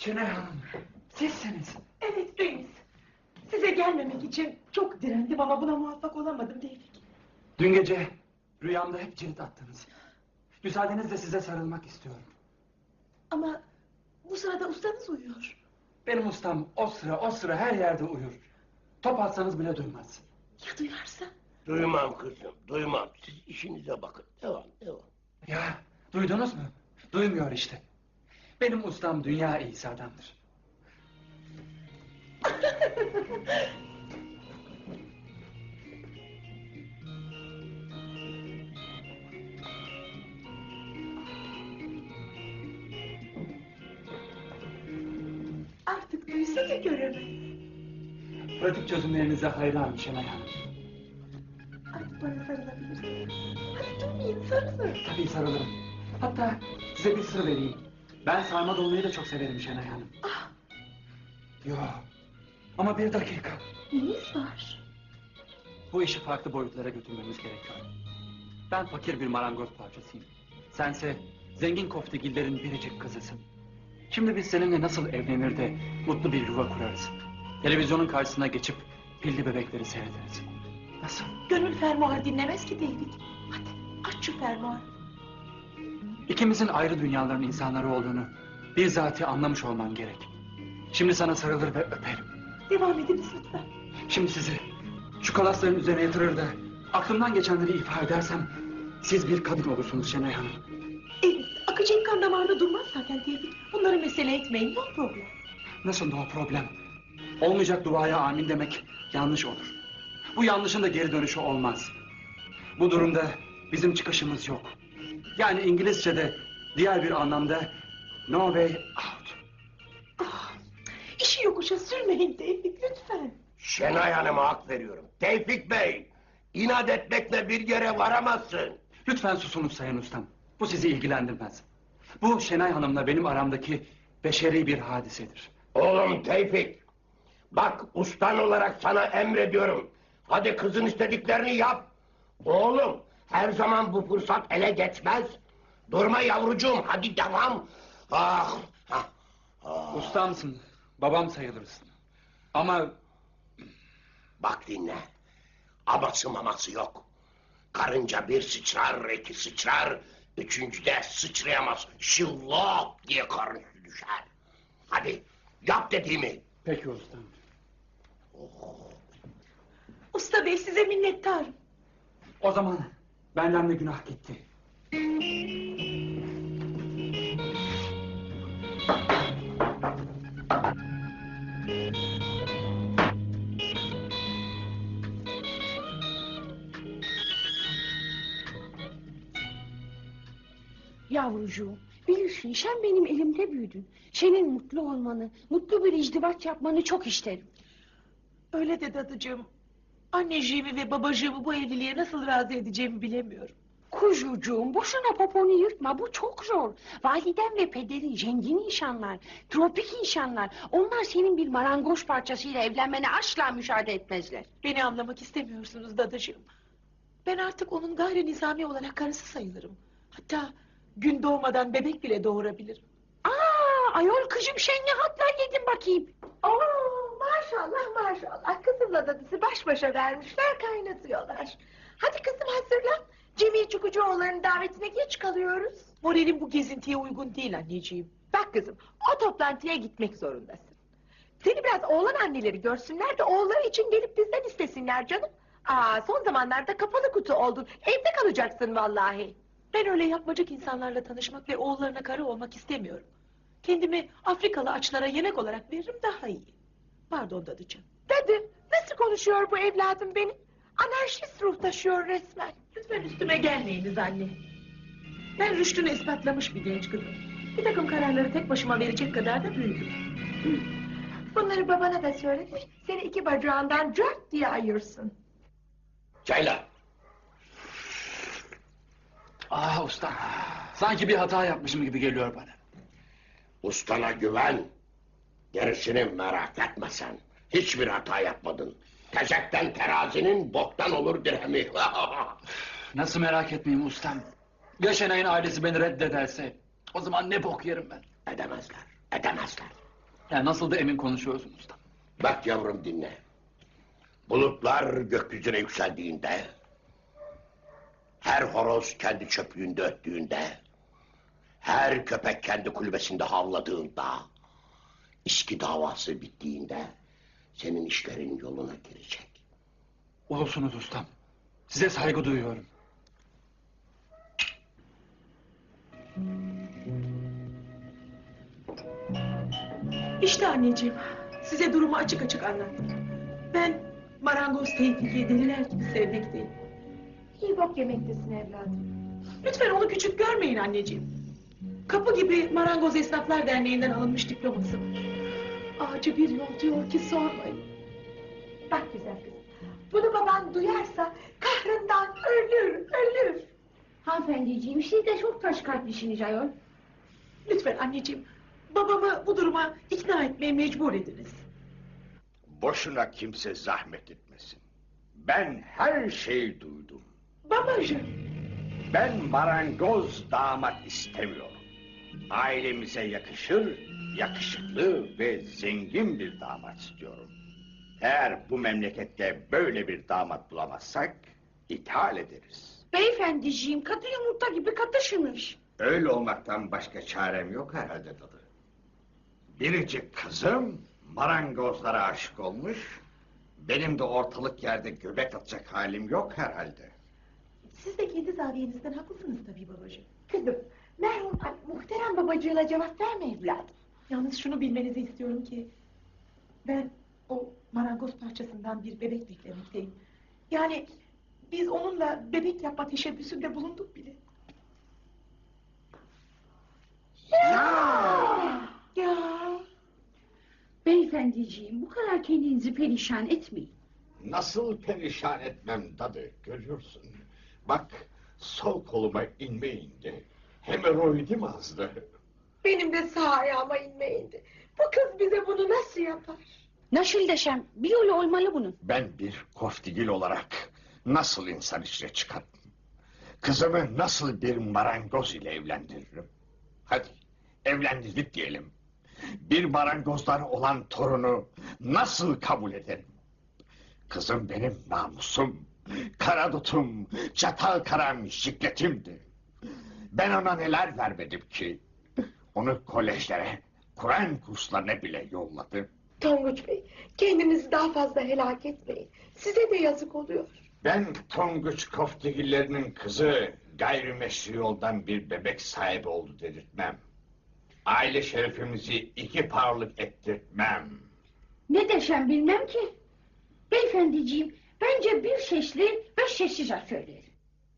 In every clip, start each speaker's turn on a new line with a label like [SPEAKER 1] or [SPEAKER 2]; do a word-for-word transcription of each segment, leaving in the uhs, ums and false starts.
[SPEAKER 1] Şenay Hanım, sizsiniz.
[SPEAKER 2] Evet Deniz. Size gelmemek için çok direndim ama buna muvaffak olamadım Tevfik.
[SPEAKER 1] Dün gece rüyamda hep cirit attınız. Müsaadenizle size sarılmak istiyorum.
[SPEAKER 2] Ama bu sırada ustanız uyuyor.
[SPEAKER 1] Benim ustam o sıra o sıra her yerde uyur. Top atsanız bile duymaz.
[SPEAKER 2] Ya duyarsa?
[SPEAKER 3] Duymam kızım, duymam. Siz işinize bakın. Devam, devam.
[SPEAKER 1] Ya duydunuz mu? Duymuyor işte. Benim ustam dünya iyisi adamdır.
[SPEAKER 2] Artık duysa da göremez.
[SPEAKER 1] Pratik çözümlerinize hayranım Şenay Hanım.
[SPEAKER 2] Artık bana sarılabilirsin. Hadi durmayın, sarılın.
[SPEAKER 1] Tabii sarılırım. Hatta size bir sır vereyim. Ben sarma dolmayı da çok severim Şenay Hanım.
[SPEAKER 2] Ah,
[SPEAKER 1] Yo. Ama bir dakika.
[SPEAKER 2] neyiniz var?
[SPEAKER 1] Bu işi farklı boyutlara götürmemiz gerekiyor. Ben fakir bir marangoz parçasıyım. Sense zengin koftegillerin biricik kızısın. Şimdi biz seninle nasıl evlenir de mutlu bir yuva kurarız. Televizyonun karşısına geçip pilli bebekleri seyrederiz. Nasıl?
[SPEAKER 2] Gönül fermuar dinlemez ki Tevfik. Hadi aç şu fermuarı.
[SPEAKER 1] İkimizin ayrı dünyaların insanları olduğunu bizzati anlamış olman gerek. Şimdi sana sarılır ve öperim.
[SPEAKER 2] Devam ediniz lütfen.
[SPEAKER 1] Şimdi sizi şu kalasların üzerine yatırır da aklımdan geçenleri ifade edersem siz bir kadın olursunuz Şenay Hanım.
[SPEAKER 2] Evet, akıcı kan damarında durmaz zaten Tevfik. Bunları mesele etmeyin, no problem.
[SPEAKER 1] Nasıl no problem? Olmayacak duaya amin demek yanlış olur. Bu yanlışın da geri dönüşü olmaz. Bu durumda bizim çıkışımız yok. Yani İngilizce'de diğer bir anlamda no way out.
[SPEAKER 2] Ah, işi yokuşa sürmeyin Tevfik lütfen.
[SPEAKER 3] Şenay Hanım'a hak veriyorum. Tevfik Bey, inat etmekle bir yere varamazsın.
[SPEAKER 1] Lütfen susunuz Sayın Ustam. Bu sizi ilgilendirmez. Bu Şenay Hanım'la benim aramdaki beşeri bir hadisedir.
[SPEAKER 3] Oğlum Tevfik, bak ustan olarak sana emrediyorum. Hadi kızın istediklerini yap. Oğlum, her zaman bu fırsat ele geçmez. Durma yavrucuğum, hadi devam. Ah, ah, ah.
[SPEAKER 1] Ustamsın, babam sayılırsın. Ama
[SPEAKER 3] Bak dinle. Aması maması yok. Karınca bir sıçrar, iki sıçrar, üçüncüde sıçrayamaz. Şıllop diye karın üstü düşer. Hadi yap dediğimi.
[SPEAKER 1] peki ustam.
[SPEAKER 2] Usta bey size minnettarım.
[SPEAKER 1] O zaman benden de günah gitti.
[SPEAKER 4] Yavrucuğum, bilirsin sen benim elimde büyüdün. Senin mutlu olmanı, mutlu bir izdivaç yapmanı çok isterim.
[SPEAKER 2] Öyle de dadıcığım. Anneciğimi ve babacığımı bu evliliğe nasıl razı edeceğimi bilemiyorum.
[SPEAKER 4] Kuzucuğum, boşuna poponu yırtma, bu çok zor. Validen ve pederin zengin insanlar, tropik insanlar. Onlar senin bir marangoz parçasıyla evlenmene asla müsaade etmezler.
[SPEAKER 2] Beni anlamak istemiyorsunuz dadıcığım. Ben artık onun gayri nizami olarak karısı sayılırım. Hatta gün doğmadan bebek bile doğurabilirim.
[SPEAKER 4] Aa, ayol kızım sen ne hatlar yedin bakayım.
[SPEAKER 5] Oo, maşallah maşallah. Kızımla dadısı baş başa vermişler, kaynatıyorlar. Hadi kızım hazırlan. Cemil Çukucuoğulları'nın davetine geç kalıyoruz.
[SPEAKER 2] Moralim bu gezintiye uygun değil anneciğim.
[SPEAKER 5] Bak kızım, o toplantıya gitmek zorundasın. Seni biraz oğlan anneleri görsünler de oğulları için gelip bizden istesinler canım. Aa, son zamanlarda kapalı kutu oldun. Evde kalacaksın vallahi.
[SPEAKER 2] Ben öyle yapmacık insanlarla tanışmak ve oğullarına karı olmak istemiyorum. Kendimi Afrikalı açlara yemek olarak veririm daha iyi. Pardon dadıcığım.
[SPEAKER 5] Dadı, nasıl konuşuyor bu evladım benim? Anarşist ruh taşıyor resmen.
[SPEAKER 2] Lütfen üstüme gelmeyiniz anne. Ben rüştünü ispatlamış bir genç kızım. Bir takım kararları tek başıma verecek kadar da büyüdüm.
[SPEAKER 5] Bunları babana da söylemiş, seni iki bacağından cart diye ayırsın.
[SPEAKER 3] Çayla.
[SPEAKER 1] Ah usta, sanki bir hata yapmışım gibi geliyor bana.
[SPEAKER 3] Ustana güven. Gerisini merak etme sen. Hiçbir hata yapmadın. Tezekten terazinin boktan olur dirhemi.
[SPEAKER 1] Nasıl merak etmeyeyim ustam? Ya Şenay'ın ailesi beni reddederse? O zaman ne bok yerim ben?
[SPEAKER 3] Edemezler, edemezler.
[SPEAKER 1] Yani nasıl da emin konuşuyorsun usta.
[SPEAKER 3] Bak yavrum dinle. Bulutlar gökyüzüne yükseldiğinde, her horoz kendi çöplüğünde öttüğünde, her köpek kendi kulübesinde havladığında, İSKİ davası bittiğinde senin işlerin yoluna girecek.
[SPEAKER 1] Ulusunuz ustam. Size saygı duyuyorum.
[SPEAKER 2] İşte anneciğim, size durumu açık açık anlattım. Ben marangoz Tevfik'i deliler gibi sevmekteyim.
[SPEAKER 5] İyi bok yemektesin evladım.
[SPEAKER 2] Lütfen onu küçük görmeyin anneciğim. Kapı gibi Marangoz Esnaflar Derneği'nden alınmış diploması var. Acı bir yol diyor ki sormayın.
[SPEAKER 5] Bak güzel kızım. Bunu baban duyarsa kahrından ölür, ölür.
[SPEAKER 4] Hanımefendiciğim siz de çok taş kalplisiniz ayol.
[SPEAKER 2] Lütfen anneciğim, babamı bu duruma ikna etmeye mecbur ediniz.
[SPEAKER 6] Boşuna kimse zahmet etmesin. Ben her şeyi duydum.
[SPEAKER 2] Babacığım,
[SPEAKER 6] Ben marangoz damat istemiyorum. Ailemize yakışır, yakışıklı ve zengin bir damat istiyorum. Eğer bu memlekette böyle bir damat bulamazsak ithal ederiz.
[SPEAKER 4] Beyefendiciğim katı yumurta gibi katışınız.
[SPEAKER 6] Öyle olmaktan başka çarem yok herhalde dadı. Biricik kızım marangozlara aşık olmuş. Benim de ortalık yerde göbek atacak halim yok herhalde.
[SPEAKER 2] siz de kendi zaviyenizden haklısınız tabii babacığım.
[SPEAKER 5] Kızım, merhum ay, muhterem babacığına cevap verme evladım.
[SPEAKER 2] Yalnız şunu bilmenizi istiyorum ki... ben o marangoz parçasından bir bebek beklemekteyim. Yani biz onunla bebek yapma teşebbüsünde bulunduk bile.
[SPEAKER 5] Ya!
[SPEAKER 2] Ya
[SPEAKER 4] Beyefendiciğim bu kadar kendinizi perişan etmeyin.
[SPEAKER 6] Nasıl perişan etmem dadı görüyorsun. Bak sol koluma inme indi. Hemoroidim azdı.
[SPEAKER 5] Benim de sağ ayağıma inme indi. Bu kız bize bunu nasıl yapar?
[SPEAKER 4] Nasıl desem bir yolu olmalı bunun.
[SPEAKER 6] Ben bir koftigil olarak nasıl insan içine çıkarım? Kızımı nasıl bir marangoz ile evlendiririm? Hadi evlendirdik diyelim. Bir marangozdan olan torunu nasıl kabul ederim? Kızım benim namusum, karadutum, çatal karam şikletimdi. Ben ona neler vermedim ki? Onu kolejlere, Kur'an kurslarına bile yolladım.
[SPEAKER 5] Tonguç Bey, kendinizi daha fazla helak etmeyin. Size de yazık oluyor.
[SPEAKER 6] Ben Tonguç Koftigillerinin kızı gayrimeşru yoldan bir bebek sahibi oldu dedirtmem. Aile şerefimizi iki parlık ettirtmem.
[SPEAKER 4] Ne desem bilmem ki. Beyefendiciğim bence bir sesli beş sessiz harf söyleyelim.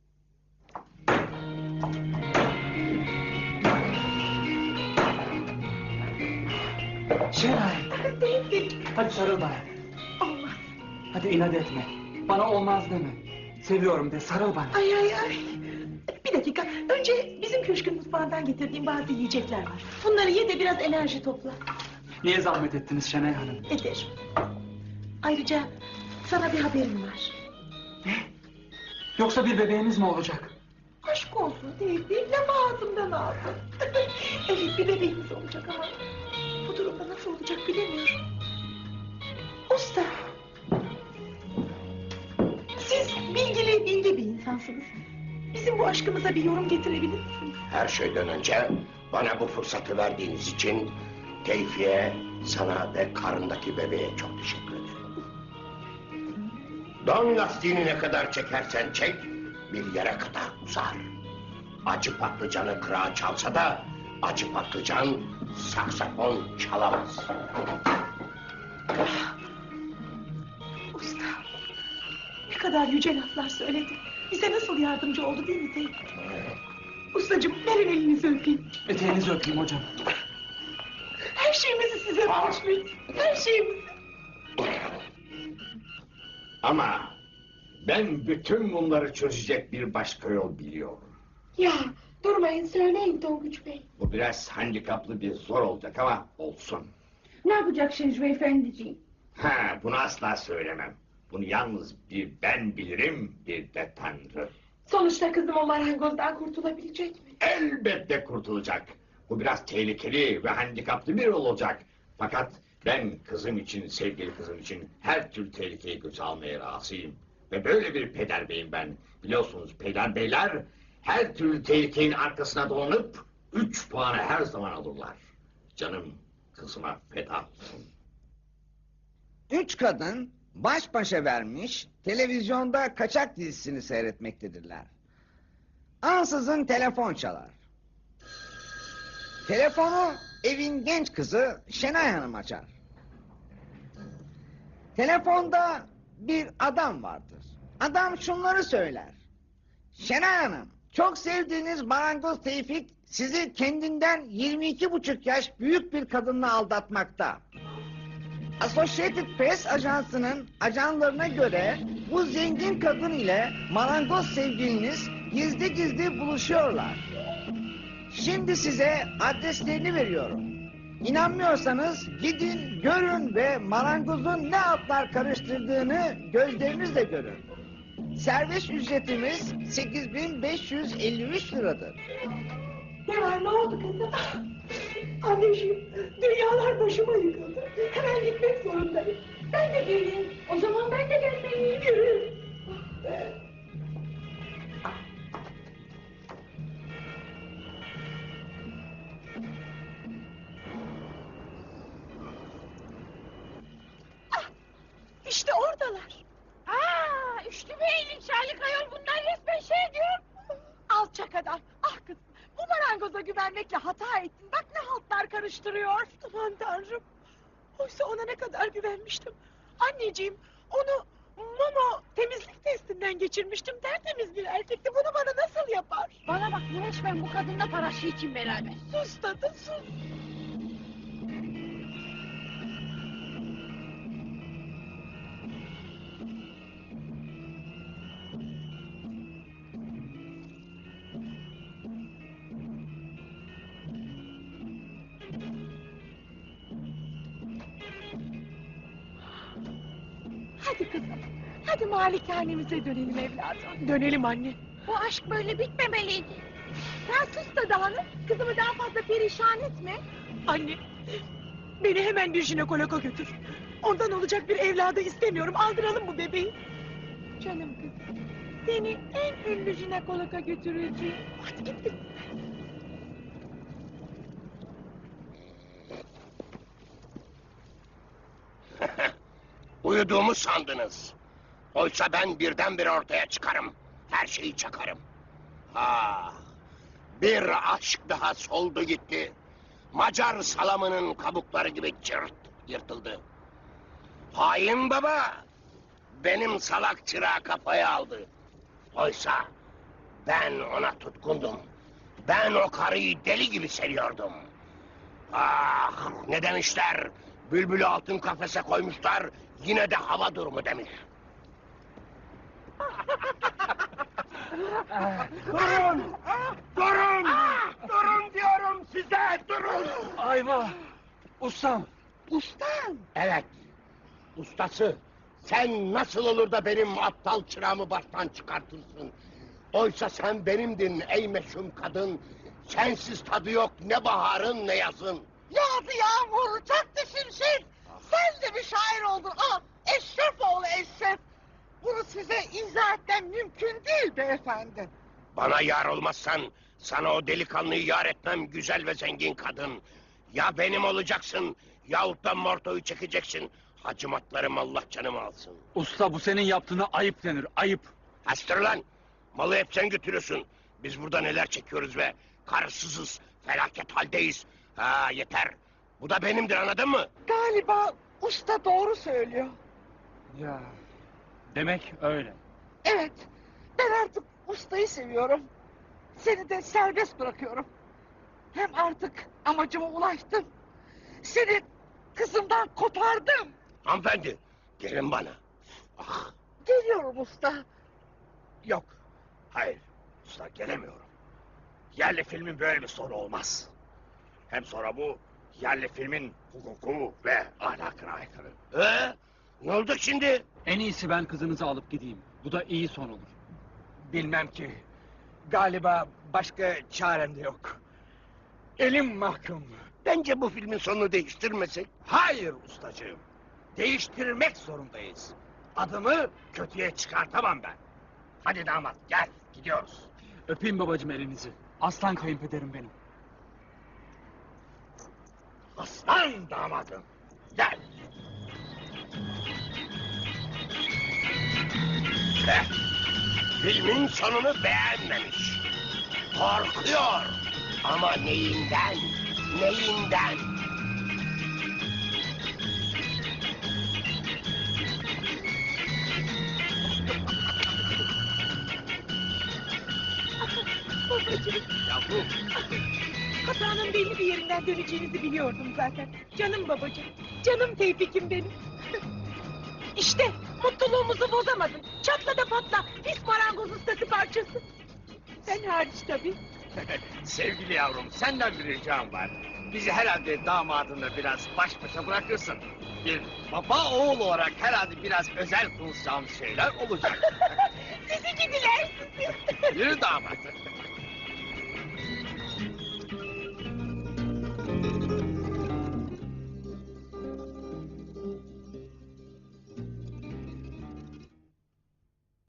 [SPEAKER 1] Şenay,
[SPEAKER 2] Tevfik,
[SPEAKER 1] hadi sarıl bana.
[SPEAKER 2] olmaz.
[SPEAKER 1] Hadi inat etme. Bana olmaz deme. Seviyorum de, sarıl bana.
[SPEAKER 2] Ay ay ay. Bir dakika, önce bizim köşkün mutfağından getirdiğim bazı yiyecekler var. Bunları ye de biraz enerji topla.
[SPEAKER 1] Niye zahmet ettiniz Şenay Hanım?
[SPEAKER 2] Ederim. Ayrıca sana bir haberim var.
[SPEAKER 1] Yoksa bir bebeğiniz mi olacak?
[SPEAKER 2] Aşk olsun Tevfik, lafı ağzımdan aldın. Evet, bir bebeğimiz olacak ama... bu durumda nasıl olacak bilemiyorum. Usta! Siz bilgili, bilgi bir insansınız. Bizim bu aşkımıza bir yorum getirebilir misiniz?
[SPEAKER 3] Her şeyden önce bana bu fırsatı verdiğiniz için Tevfik'e, sana ve karındaki bebeğe çok teşekkür ederim. Don lastiğini ne kadar çekersen çek, bir yere kadar uzar. Acı patlıcanı kırağı çalsa da acı patlıcan saksafon çalamaz.
[SPEAKER 2] Usta! Ne kadar yüce laflar söyledi. Bize nasıl yardımcı oldu değil mi Tevfik? Ustacığım, verin elinizi öpeyim.
[SPEAKER 1] Eteğinizi öpeyim hocam.
[SPEAKER 2] Her şeyimizi size borçluyuz. Her şeyimizi.
[SPEAKER 6] Ama ben bütün bunları çözecek bir başka yol biliyorum.
[SPEAKER 5] Ya, durmayın söyleyin Tonguç Bey.
[SPEAKER 6] Bu biraz handikaplı bir zor olacak ama olsun.
[SPEAKER 4] Ne yapacaksınız beyefendiciğim?
[SPEAKER 6] Ha, bunu asla söylemem. Bunu yalnız bir ben bilirim, bir de Tanrı.
[SPEAKER 5] Sonuçta kızım o marangozdan kurtulabilecek mi?
[SPEAKER 6] Elbette kurtulacak. Bu biraz tehlikeli ve handikaplı bir yol olacak. Fakat ben kızım için, sevgili kızım için her türlü tehlikeyi göze almaya razıyım. Ve böyle bir peder beyim ben. Biliyorsunuz peder beyler her türlü tehlikenin arkasına dolanıp üç puanı her zaman alırlar. Canım kızıma feda olsun.
[SPEAKER 7] Üç kadın baş başa vermiş televizyonda kaçak dizisini seyretmektedirler. Ansızın telefon çalar. Telefonu evin genç kızı Şenay Hanım açar. Telefonda bir adam vardır. Adam şunları söyler. Şenay Hanım, çok sevdiğiniz marangoz Tevfik sizi kendinden yirmi iki buçuk yaş büyük bir kadınla aldatmakta. Associated Press ajansının ajanlarına göre bu zengin kadın ile marangoz sevgiliniz gizli gizli buluşuyorlar. Şimdi size adreslerini veriyorum. İnanmıyorsanız gidin görün ve marangozun ne altlar karıştırdığını gözlerinizle görün. Servis ücretimiz sekiz bin beş yüz elli üç liradır.
[SPEAKER 2] Ne var, ne oldu kızım? Anneciğim, dünyalar başıma yıkıldı. Hemen gitmek zorundayım. Ben de geleyim. O zaman ben de gelmeliyim. Yürü.
[SPEAKER 5] İşte oradalar.
[SPEAKER 4] Aa, üçlü beylik Şarlık ayol bunlar resmen şey diyor.
[SPEAKER 5] Alçak adam. Ah kızım, bu marangoza güvenmekle hata ettin. Bak ne haltlar karıştırıyor.
[SPEAKER 2] Aman tanrım. Oysa ona ne kadar güvenmiştim. Anneciğim, onu Momo temizlik testinden geçirmiştim. Tertemiz bir erkekti. Bunu bana nasıl yapar?
[SPEAKER 4] Bana bak resmen bu kadınla parası için beraber.
[SPEAKER 2] Sus tadı, sus.
[SPEAKER 5] Hadi kızım. Hadi malikanemize dönelim evladım.
[SPEAKER 2] Dönelim anne.
[SPEAKER 4] Bu aşk böyle bitmemeliydi.
[SPEAKER 5] Sen sus da dağınık. Kızımı daha fazla perişan etme.
[SPEAKER 2] Anne, beni hemen bir jinekologa götür. Ondan olacak bir evladı istemiyorum. Aldıralım bu bebeği.
[SPEAKER 5] Canım kızım. Seni en ünlü jinekologa götüreceğim.
[SPEAKER 2] Hadi git git.
[SPEAKER 3] Uyuduğumu sandınız. Oysa ben birdenbire ortaya çıkarım. Her şeyi çakarım. Ah, bir aşk daha soldu gitti. Macar salamının kabukları gibi cırt yırtıldı. Hain baba, benim salak çırağı kafaya aldı. Oysa ben ona tutkundum. Ben o karıyı deli gibi seviyordum. Ah, ne demişler? Bülbülü altın kafese koymuşlar, yine de hava durumu demiş. Durun! Durun! Durun diyorum size, durun!
[SPEAKER 1] Ayva! Ustam!
[SPEAKER 5] Ustam.
[SPEAKER 3] Evet, ustası. Sen nasıl olur da benim aptal çırağımı baştan çıkartırsın? Oysa sen benimdin ey meşhum kadın. Sensiz tadı yok ne baharın ne yazın.
[SPEAKER 5] Yağdı yağmur, çaktı şimşek. Sen de bir şair oldun. Ah, Eşref oğlu Eşref. Bunu size izah etmem mümkün değil beyefendi.
[SPEAKER 3] Bana yar olmazsan sana o delikanlıyı yar etmem güzel ve zengin kadın. Ya benim olacaksın yahut da mortoyu çekeceksin. Hacimatlarım Allah canımı alsın.
[SPEAKER 1] Usta bu senin yaptığına ayıp denir, ayıp.
[SPEAKER 3] Hastır lan! Malı hep sen götürüyorsun. Biz burada neler çekiyoruz be. Karısızız, felaket haldeyiz. Ha yeter. Bu da benimdir anladın mı?
[SPEAKER 5] Galiba usta doğru söylüyor.
[SPEAKER 1] Ya, demek öyle.
[SPEAKER 5] Evet, ben artık ustayı seviyorum. Seni de serbest bırakıyorum. Hem artık amacıma ulaştım. Seni kızımdan kopardım.
[SPEAKER 3] Hanımefendi, gelin bana. Ah,
[SPEAKER 5] Geliyorum usta.
[SPEAKER 6] Yok, hayır, usta gelemiyorum. Yerli filmin böyle bir sonu olmaz. Hem sonra bu yerli filmin hukuku ve ahlakına aykırı.
[SPEAKER 3] Ee, ne oldu şimdi?
[SPEAKER 1] En iyisi ben kızınızı alıp gideyim. Bu da iyi son olur.
[SPEAKER 8] Bilmem ki. Galiba başka çarem de yok. Elim mahkum.
[SPEAKER 3] Bence bu filmin sonunu değiştirmesek.
[SPEAKER 6] Hayır ustacığım. Değiştirmek zorundayız. Adımı kötüye çıkartamam ben. Hadi damat gel gidiyoruz.
[SPEAKER 1] Öpeyim babacığım elinizi. Aslan kayınpederim benim.
[SPEAKER 6] Aslan damadım. Gel.
[SPEAKER 3] Eh, filmin sonunu beğenmemiş. Korkuyor. Ama neyinden? Neyinden?
[SPEAKER 5] Babacığım,
[SPEAKER 3] Yavrum,
[SPEAKER 5] hatanın belli bir yerinden döneceğinizi biliyordum zaten. Canım babacığım, canım Tevfik'im benim. İşte mutluluğumuzu bozamadın. Çatla da patla, pis marangoz ustası parçası. Sen hariç tabii.
[SPEAKER 6] Sevgili yavrum senden bir ricam var. Bizi herhalde damadınla biraz baş başa bırakırsın. Bir baba oğul olarak herhalde biraz özel konuşacağımız şeyler olacak.
[SPEAKER 5] Sizi gidiler sizi.
[SPEAKER 6] Yürü damat.